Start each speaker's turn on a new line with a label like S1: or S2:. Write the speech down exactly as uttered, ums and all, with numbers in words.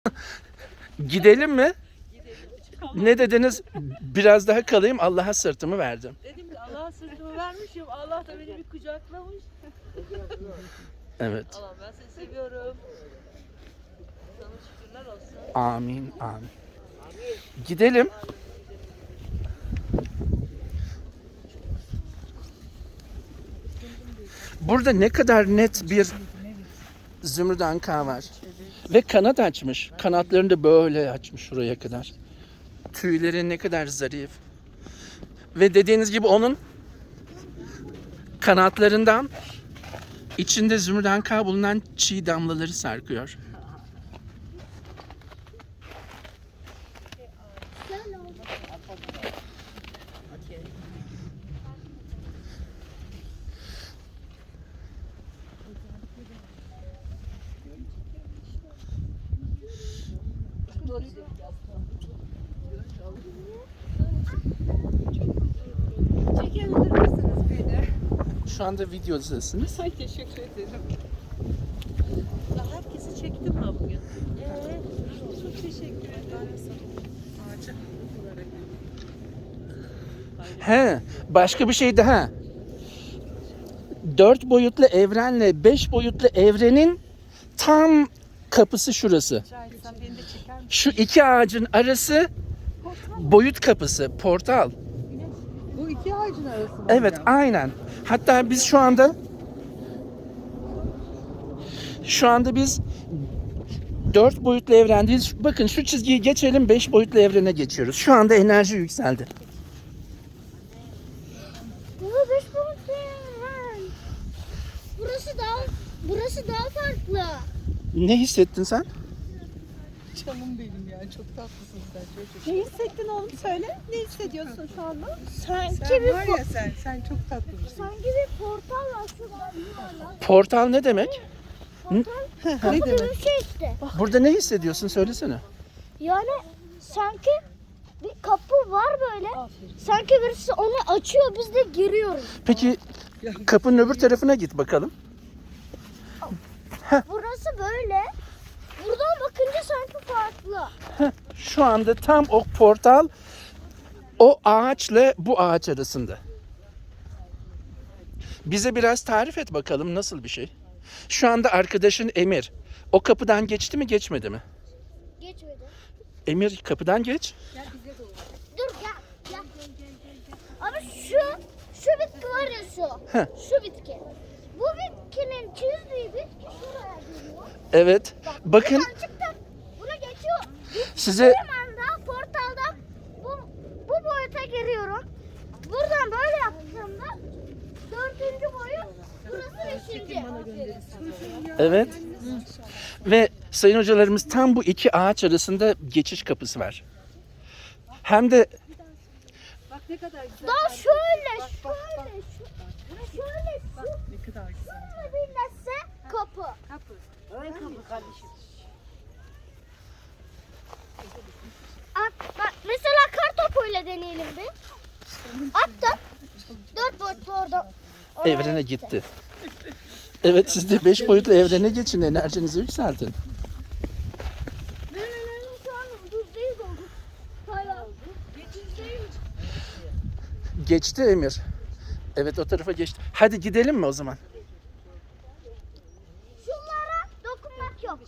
S1: Gidelim mi? Ne dediniz? Biraz daha kalayım. Allah'a sırtımı verdim.
S2: Dedim ki Allah'a sırtımı vermişim. Allah da beni bir kucaklamış.
S1: Evet.
S2: Allah ben seni seviyorum. Sana şükürler olsun.
S1: Amin. Amin. Gidelim. Burada ne kadar net bir zümrüt anka var. Ve kanat açmış. Kanatlarını da böyle açmış şuraya kadar. Tüyleri ne kadar zarif. Ve dediğiniz gibi onun kanatlarından içinde zümrüt anka bulunan çiğ damlaları sarkıyor.
S3: Çekebilir misiniz beni?
S1: Şu anda videodasınız.
S3: Ay teşekkür ederim.
S2: Ya herkesi çektim ben bugün.
S3: Ee, çok teşekkür ederim. Ağaca olarak.
S1: He, başka bir şey daha. Dört boyutlu evrenle beş boyutlu evrenin tam kapısı şurası.
S3: Şahit sen beni de çeker misin?
S1: Şu iki ağacın arası boyut kapısı, portal.
S3: Bu iki ağacın arası mı?
S1: Evet,
S3: hocam?
S1: aynen. Hatta biz şu anda şu anda biz dört boyutlu evrendeyiz. Bakın şu çizgiyi geçelim, beş boyutlu evrene geçiyoruz. Şu anda enerji yükseldi.
S4: Bu beş boyutlu evren. Burası daha burası daha farklı.
S1: Ne hissettin sen?
S3: Canım benim ya çok tatlısın sen çocuk. Ne hissettin oğlum söyle. Ne hissediyorsun şu anda?
S4: Sanki
S3: Sen
S4: bir
S3: var
S4: po-
S3: ya sen sen çok tatlısın.
S4: sanki bir portal var şurada. yuvarlak.
S1: Portal ne demek?
S4: Portal
S3: ne
S4: kapı gibi
S3: demek?
S4: bir şey işte.
S1: Burada ne hissediyorsun? Söylesene.
S4: Yani sanki bir kapı var böyle. Sanki birisi onu açıyor biz de giriyoruz.
S1: Peki kapının öbür tarafına git bakalım.
S4: Burası böyle. Buradan bakınca sanki farklı.
S1: Şu anda tam o portal o ağaçla bu ağaç arasında. Bize biraz tarif et bakalım nasıl bir şey. Şu anda arkadaşın Emir o kapıdan geçti mi geçmedi mi?
S4: Geçmedi.
S1: Emir kapıdan geç.
S4: Dur gel. Gel. Abi şu şu bitki var ya şu.
S1: Heh.
S4: Şu bitki. Bu bitkinin çizdiği bitki şuraya geliyor.
S1: Evet. Bakın
S4: Buradan çıktık. Buna geçiyor.
S1: size
S4: Bir anda portaldan bu, bu boyuta giriyorum. Buradan böyle yaptığımda dördüncü boyut burası beşinci.
S1: evet. Ve sayın hocalarımız tam bu iki ağaç arasında geçiş kapısı var. Hem de
S3: Bak ne kadar güzel.
S4: Daha şöyle şöyle şu, şöyle şu
S3: Ne kadar güzel.
S4: şöyle birleşse kapı.
S3: Kapı.
S2: Öyle kapı kardeşim.
S4: At, bak mesela kar topuyla deneyelim bir. Attım. Dört boyutlu orada. oraya
S1: evrene gitti. Evet siz de beş boyutlu evrene geçin, enerjinizi yükseltin.
S4: Benim enerjim şu an yüzdeyiz oldu. Hala. Yüzdeyiz.
S1: Geçti Emir. Evet o tarafa geçti. Hadi gidelim mi o zaman?
S4: Şunlara dokunmak yok.